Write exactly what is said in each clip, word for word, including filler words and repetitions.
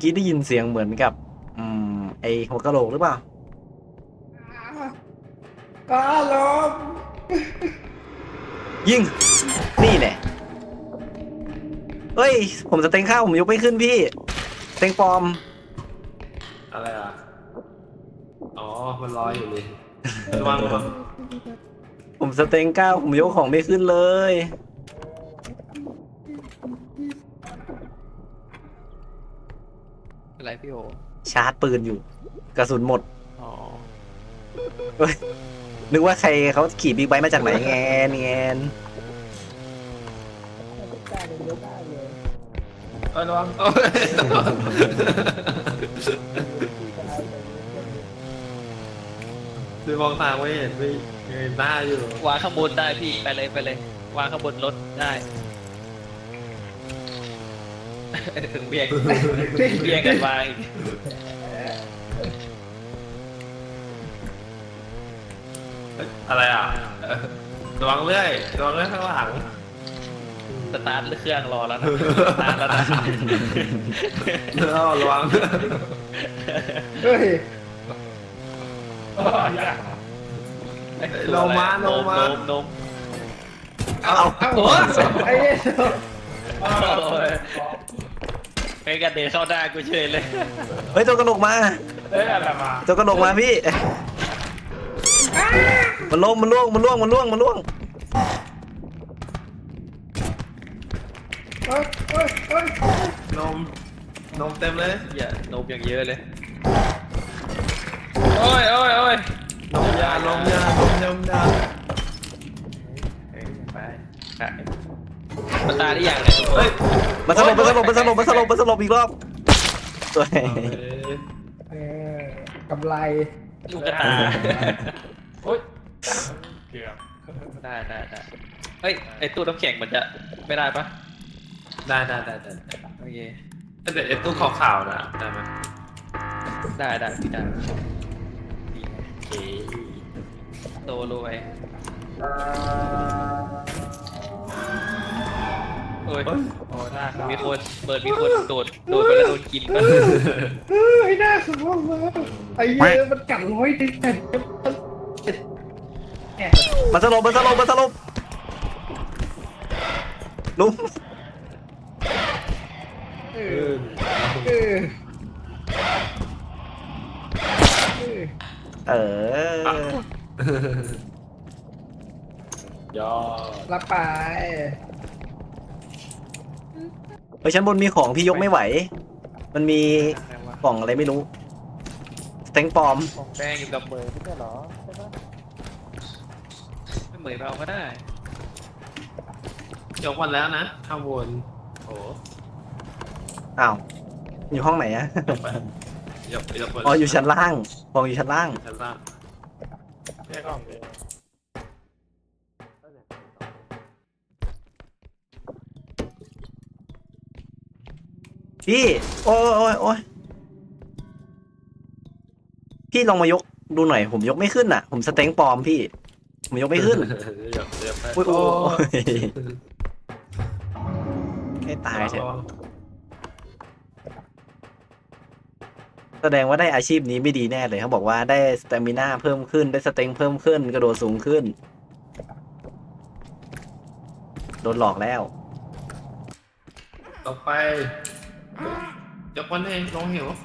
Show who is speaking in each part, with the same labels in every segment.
Speaker 1: กี้ได้ยินเสียงเหมือนกับ อืมไอหัวกะโหลกหรือเปล่า
Speaker 2: ก็ลม
Speaker 1: ยิงนี่แน่เฮ้ยผมจะเต็งข้าวผมยกไม่ขึ้นพี่เต็งปลอม
Speaker 3: อะไรอ่ะอ๋อมันลอยอยู่เลยระวังระวัง
Speaker 1: ผมสเต็งก้าวผมยกของไม่ขึ้นเลย
Speaker 4: อะไรพี่โอ
Speaker 1: ชาร์จปืนอยู่ กระสุนหมด
Speaker 4: อ๋อ
Speaker 1: เฮ้ยนึกว่าใครเขาขี่บิ๊กไบค์มาจากไหนแงนแงน
Speaker 3: เออระวังโอ้ยดูมองทางไม่เห็นไม่เงยหน้าอยู่
Speaker 4: วางข้างบนได้พี่ไปเลยไปเลย วางข้างบนรถได้เบียงเบียงกันวางอีก
Speaker 3: เอ้ยอะไรอ่ะเออระวังเรื่อยระวังเรื่อยข้างหลัง
Speaker 4: สตาร์ทเครื่องรอแล้วนะสตาร์ทแล้วนะ
Speaker 3: แล้วระวัง
Speaker 2: เฮ้ย
Speaker 3: ลงมาลงมา
Speaker 4: โนมโนม
Speaker 3: เอา
Speaker 2: เอ้า
Speaker 4: โอ้ย
Speaker 2: ไอ้เหี้ย
Speaker 4: โอ้ยไปกันเดินเข้าได้กูเฉยเลย
Speaker 1: เฮ้ยตัวกระโหลกมา
Speaker 3: เอ้ยอะไรมา
Speaker 1: ตัวกระโหลกมาพี่ มันล่วงมันล่วงมันล่วงมันล่วงมันล่วง
Speaker 2: เอ้ยเอ้ยเอ้ย
Speaker 3: นมนมเต็มเลย
Speaker 4: อย่าโนมอย่างเยอะเลยโอ้ยโอ้ยโอ้ย
Speaker 3: นมยานมยานมยมยา
Speaker 4: ไปมันตายได้อย่างเนี่ย
Speaker 3: เฮ้ย
Speaker 1: มันสลบมันสลบมันสลบมันสลบมันสลบอีกรอบสวย
Speaker 2: เออกำไร
Speaker 4: ลูกกระตา
Speaker 3: โอ๊ยเกือบ
Speaker 4: ได้ได้ได้เฮ้ยไอตู้น้ำแข็งมันจะไม่ได้ปะ
Speaker 3: ได้ได้ได้ได้
Speaker 4: โอเค
Speaker 3: แต่เดี๋ยวไอ้ตู้ขาวๆน่ะได้ไหม
Speaker 4: ได้ได้พี่ได้
Speaker 3: โอเค
Speaker 4: โตรวยโอ้ย
Speaker 3: เฮ้ย
Speaker 4: โอ้หน้ามีคนเปิดมีคนโดดโดดไปแล้วโดนกินปะ
Speaker 2: เฮ้ยน่าสมองมาไอ้เหี้ยมันกัดร้อยดิแต่แหม
Speaker 1: มันสลบมันสลบมันสลบลุม
Speaker 2: เอ
Speaker 3: เอ
Speaker 2: อ
Speaker 3: อ
Speaker 2: เออเออ
Speaker 1: เออ
Speaker 3: ยอด
Speaker 2: รับไป
Speaker 1: เฮ้ยชั้นบนมีของพี่ยกไม่ไหว มันมี
Speaker 4: อะไรวะ
Speaker 1: กล่องอะไรไม่รู้เต็งปลอม
Speaker 4: ของแป้งอยู่กับเมย์ไม่ใช่เหรอใช่ปะไม่เหมยไปเอาก็ได้
Speaker 3: ยกวันแล้วนะข้างบนโอ้
Speaker 1: อ้าวอยู่ห้องไหนอะ
Speaker 3: ยกยกวัน
Speaker 1: อ๋ออยู่ชั้นล่างกล่องอยู่ชั้นล่าง
Speaker 3: ชั้นล่างแค่กล่องเดียว
Speaker 1: พี่โอ้ยโอ้ยโอ้ยพี่ลองมายกดูหน่อยผมยกไม่ขึ้นอ่ะ ผมสเต็งปลอมพี่ผมยกไม่ขึ้น
Speaker 3: ยกยกไป
Speaker 1: โอ้ยโอ้ยให้ตายเถอะ แสดงว่าได้อาชีพนี้ไม่ดีแน่เลยเขาบอกว่าได้สเตมิน่าเพิ่มขึ้นได้สเต็งเพิ่มขึ้นกระโดดสูงขึ้นโดนหลอกแล้ว
Speaker 3: ต่อไปยกวันเองลงหิว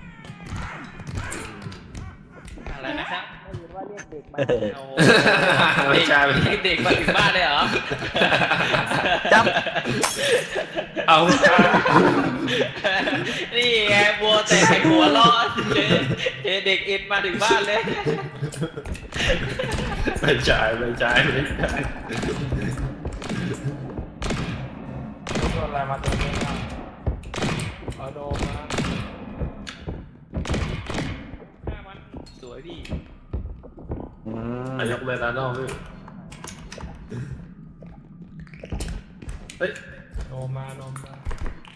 Speaker 4: อะไรนะครับ
Speaker 1: เออ
Speaker 4: เอา
Speaker 3: ไม่ใช่
Speaker 4: เด็กเด็กมาถึงบ้านเลยเหรอ
Speaker 1: จับ
Speaker 3: เอา
Speaker 4: นี่ไงบัวแต่หัวรอดเด็กเด็กเอ็นมาถึงบ้านเลย
Speaker 3: ไม่ใช่ไม่ใช่ไม่ใช่
Speaker 5: อะไรมาตัวนี้มาเอาโดมมา
Speaker 4: ฆ่ามันสวยพี่
Speaker 1: อืม
Speaker 3: ยกเลยนะน้องพี่เฮ้ย
Speaker 5: โดมมาโดมมา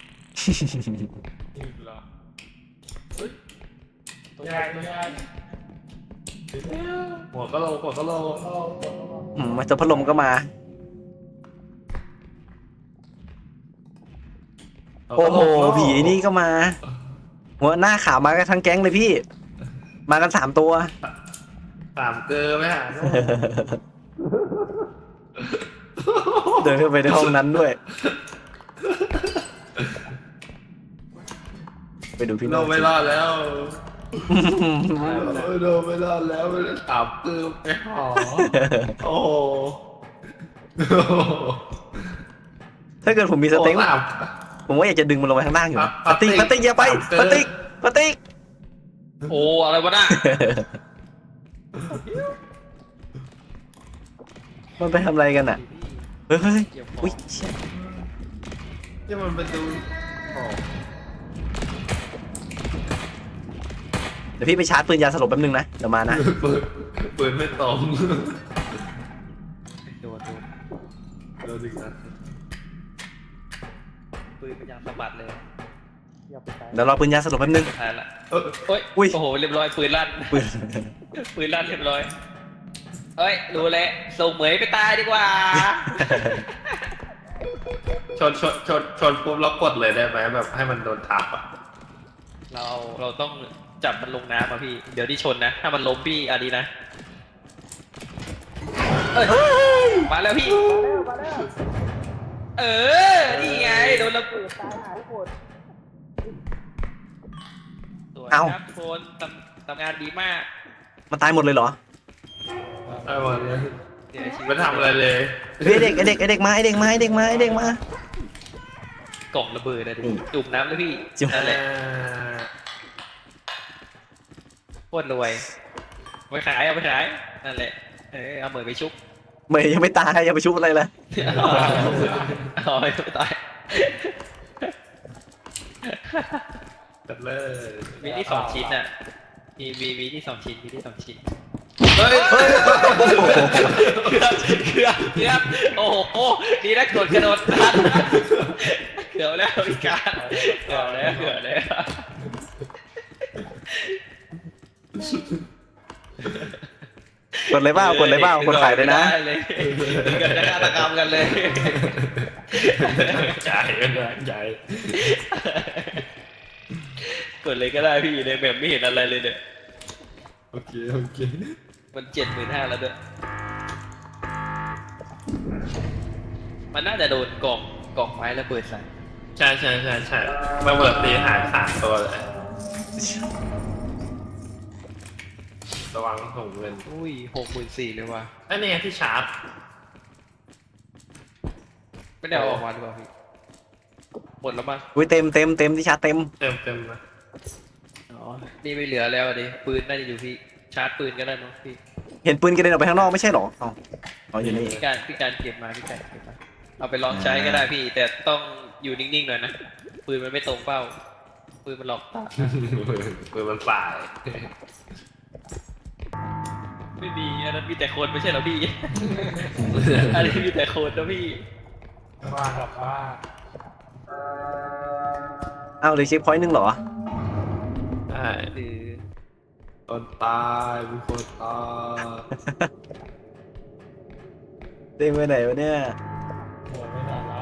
Speaker 5: อีกเหรอเฮ้ยตัวใหญ่ตัวใหญ่
Speaker 3: หัวก็โลหัวก็โล
Speaker 1: อืมมาเจอพัดลมก็มา โอ้โหผีนี่ก็มาหัวหน้าขาวมากันทั้งแก๊งเลยพี่ มากันสามตัว
Speaker 3: สามเกลือไหมฮะ
Speaker 1: เดินเข้าไปในห้องนั้นด้วย ไปดูพี่
Speaker 3: โด
Speaker 1: โน้
Speaker 3: นไม่รอดแล้วโดนไม่รอดแล้วสามเกลือไปหอโอ้โห
Speaker 1: ถ้าเกิดผมมีสเต็ง
Speaker 3: โอ้สาม
Speaker 1: ผมว่าอยากจะดึงมันลงไปข้างล่างอยู่นะ
Speaker 3: ปา
Speaker 1: ปา
Speaker 3: ติ
Speaker 1: ติ
Speaker 3: ก
Speaker 1: กปาติกอย่าไป
Speaker 3: สามเกิน
Speaker 1: ปาติกปาติก
Speaker 4: โอ้อะไรวะน่ะ
Speaker 1: มันไปทำอะไรกันอ่ะ เฮ้ยเฮ้ยอุ้ยเชี่ย
Speaker 3: ที่มันเป็นดูโอ้
Speaker 1: เดี๋ยวพี่ไปชาร์จปืนยาสลบแป๊บนึงนะ เดี๋ยวมานะ
Speaker 3: ปืนปืนไม่ตรง
Speaker 4: โดนโดน
Speaker 3: โดนอีกนะ
Speaker 4: ปืนพยายามสะบัดเลย
Speaker 5: อย่าไปไกล
Speaker 1: เดี๋ยวรอปืนยาสลบแป๊บนึง
Speaker 4: สุดท้ายละ
Speaker 3: เออ
Speaker 4: โอ้ย
Speaker 1: อุ้ย
Speaker 4: โอ้โหเรียบร้อยปืนลั่น
Speaker 1: ปืน
Speaker 4: ปืนลั่นเรียบร้อยเอ้ยรู้แล้วส่งเหมยไปตายดีกว่า
Speaker 3: ชนชนชนชนปุ๊บแล้วกดเลยได้ไหมแบบให้มันโดนทับอ่ะ
Speaker 4: เราเราต้องจับมันลงน้ำมาพี่ เดี๋ยวที่ชนนะ ถ้ามันล้มพี่อันนี้นะเอ้ยมาแล้วพี่
Speaker 5: มาแล้ว
Speaker 4: เออ นี่ไงโดนระเบิด
Speaker 5: ตายหายหมด
Speaker 4: สวย
Speaker 1: เอ้า
Speaker 4: ครับทุกคนทำทำงานดีมาก
Speaker 1: มันตายหมดเลยเหรอ
Speaker 3: ไอ้วันนี้
Speaker 4: เสียชีวิต
Speaker 3: ไม่ทำอะไรเลย
Speaker 1: เฮ้ยไอ้เด็กไอเด็กไอเด็กมาไอเด็กมาไอเด็กมาไอเด็กมา
Speaker 4: กล่องระเบิดนะดิ
Speaker 1: นี่
Speaker 4: จุ่มน้ำเลยพี่
Speaker 1: จุ่ม
Speaker 4: นั่นแหละ
Speaker 3: อ่า
Speaker 4: โคตรรวยเอาไปขายเอาไปขายนั่นแหละเออเอาเหมยไปชุบ
Speaker 1: เมย์ยังไม่ตายยังไปชุบอะไรเลย
Speaker 4: เอาไปตาย
Speaker 3: จัดเลย
Speaker 4: มีที่สองชิ้นน่ะมีมีมีที่สองชิ้นมีที่สองชิ้น
Speaker 3: เฮ้ย
Speaker 1: เฮ้ย
Speaker 4: เกือบเกือบเกือบโอ้โหดีนะกดกระโดดทันเกือบแล้วพี่การเกือบแล้วเกือบแล้ว
Speaker 1: กดเลยเปล่ากดเลยเปล่ากดขายเลยนะ
Speaker 4: ได้เลยเกิดฆาตกรรมกันเลย
Speaker 3: ใจกันใจ
Speaker 4: กดเลยก็ได้พี่ในแบบไม่เห็นอะไรเลยเนี่ย
Speaker 3: โอเคโอเค
Speaker 4: มันเจ็ดหมื่นห้าแล้วด้วยมันน่าจะโดนกล่องกล่องไม้ระเบิดใส่
Speaker 3: ใช่ใช่ใช่ใช่มาเปิดตีหายขาดตัวเลยระวังถุงเงิน
Speaker 4: อุ้ยหกหมื่นสี่เลยว่ะ
Speaker 3: ไอ้นี่ไงที่ชาร์จ
Speaker 4: ไม่ได้เอาออกมาหรือเปล่าพี่หมดแล้วมั้ง
Speaker 1: อุ้ยเต็มเต็มเต็มที่ชาร์จเต็ม
Speaker 3: เต็มเต็มนะ
Speaker 4: อ๋อนี่ไม่เหลือแล้วดิปืนน่าจะอยู่พี่ชาร์จปืนก็ได้มั้งพี่
Speaker 1: เห็นปืนกระเด็นออกไปข้างนอกไม่ใช่เหรออ๋ออ๋ออยู่นี่
Speaker 4: พี่การพี่การเก็บมาพี่การเก็บมาเอาไปลองใช้ก็ได้พี่ แต่ต้องอยู่นิ่งๆหน่อยนะปืนมันไม่ตรงเป้าปืนมันหลอกตา
Speaker 3: ปืนมันสาย
Speaker 4: ไม่มีอันนั้นมีแต่คนไม่ใช่เหรอพี่ อันนี้มีแต่คนนะพี่
Speaker 5: ว่ากับว่า
Speaker 1: อ้าวเหลยเช็คพอยต์หนึงเหรอ
Speaker 3: ใช่
Speaker 4: คือ
Speaker 3: คนตายมีคนตาย
Speaker 1: เต็มไปไหนวะเนี่ย
Speaker 5: โหไม่ได้แล้ว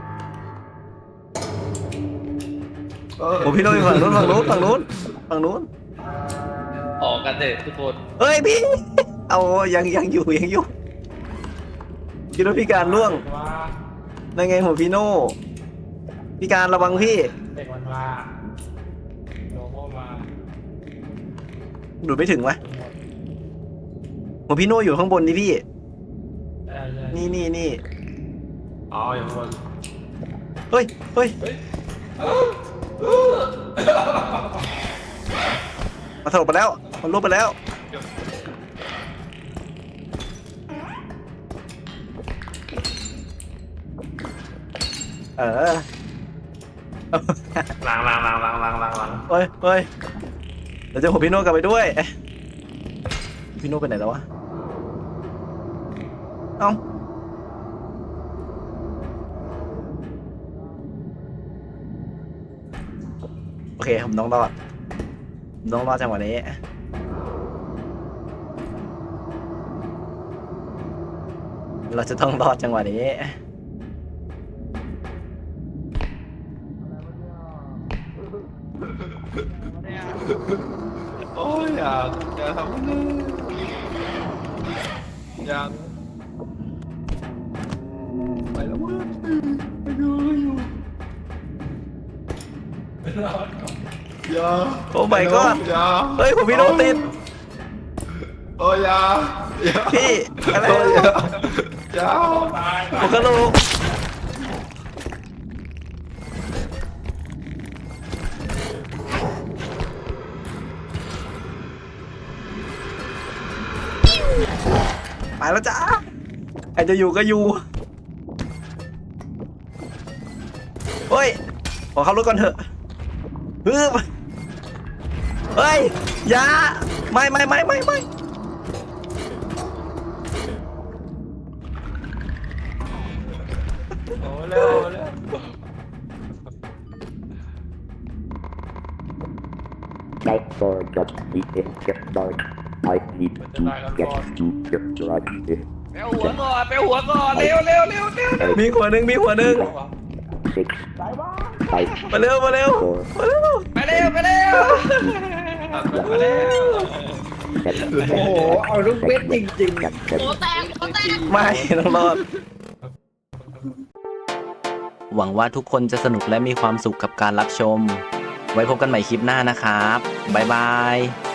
Speaker 3: เออ
Speaker 1: โอ้พี่โน้ตอยู่ฝั่งนู้นฝั่งนู้นฝั่งนู้นฝั่งนู้น
Speaker 4: ออกกันเถอะทุกคน
Speaker 1: เฮ้ยพี่ เอายังยังอยู่ยังอยู่คิดว่าพี่การล่วง
Speaker 5: ว่า
Speaker 1: นั่นไงหัวพี่โน่พี่การระวังพี่
Speaker 5: เด็กมันมาโลโก้มา
Speaker 1: ดูดไม่ถึงวะ
Speaker 5: ทั้งหมด
Speaker 1: หัวพี่โน่อยู่ข้างบนนี่พี่
Speaker 5: ใช่ใช่
Speaker 1: นี่นี่นี่
Speaker 3: อ๋ออย่างคน
Speaker 1: เฮ้ยเฮ้ยมาสลบไปแล้วมันลุกไปแล้วเออ
Speaker 3: ล้างล้างล้างล้างล้างล้างล้าง
Speaker 1: เฮ้ยเฮ้ยเดี๋ยวจะหัวพี่โน่กลับไปด้วยเอ๊ะพี่โน่ไปไหนแล้ววะเอ้าโอเคผมต้องรอดผมต้องรอดจังหวะนี้เราจะต้องรอดจังหวะนี้
Speaker 3: ยังไปแล้วมึง
Speaker 5: รอดก่อน
Speaker 3: อย่า
Speaker 1: โอ้ my god
Speaker 3: อย่า
Speaker 1: เฮ้ยผมพี่โดนติด
Speaker 3: โอ้ยอย่าอย่า
Speaker 1: พี่อะไร
Speaker 3: โอ้ยอย่าอย่า
Speaker 5: ตาย
Speaker 1: ผมก็รู้ไปแล้วจ้าใครจะอยู่ก็อยู่เฮ้ยขอเข้ารถก่อนเถอะฮึบเฮ้ยอย่าไม่ไม่ไม่ไม่ไม่
Speaker 5: โอ้เร็วเร็ว
Speaker 6: Night for just the get dark. I need to get to get dark.
Speaker 4: ไปเอาหัวก่อนไปเอาหัวก่อนเร็วเร็วเร็วเร็วเร็ว
Speaker 1: มีหัวหนึ่งมีหัวหนึ่ง
Speaker 6: Six, five,
Speaker 1: มาเร็วมาเร็ว
Speaker 6: four,
Speaker 1: มาเร็ว
Speaker 4: ไปเร็วไปเร็วไปเร็ว
Speaker 6: seven,
Speaker 2: โอ้โห เอาลูกเบ็ดจริง
Speaker 6: get
Speaker 4: โอ้
Speaker 6: seven.
Speaker 4: แตกโอ้แตก
Speaker 1: ไม่ต้องรอด หวังว่าทุกคนจะสนุกและมีความสุขกับการรับชม ไว้พบกันใหม่คลิปหน้านะครับ บ๊ายบาย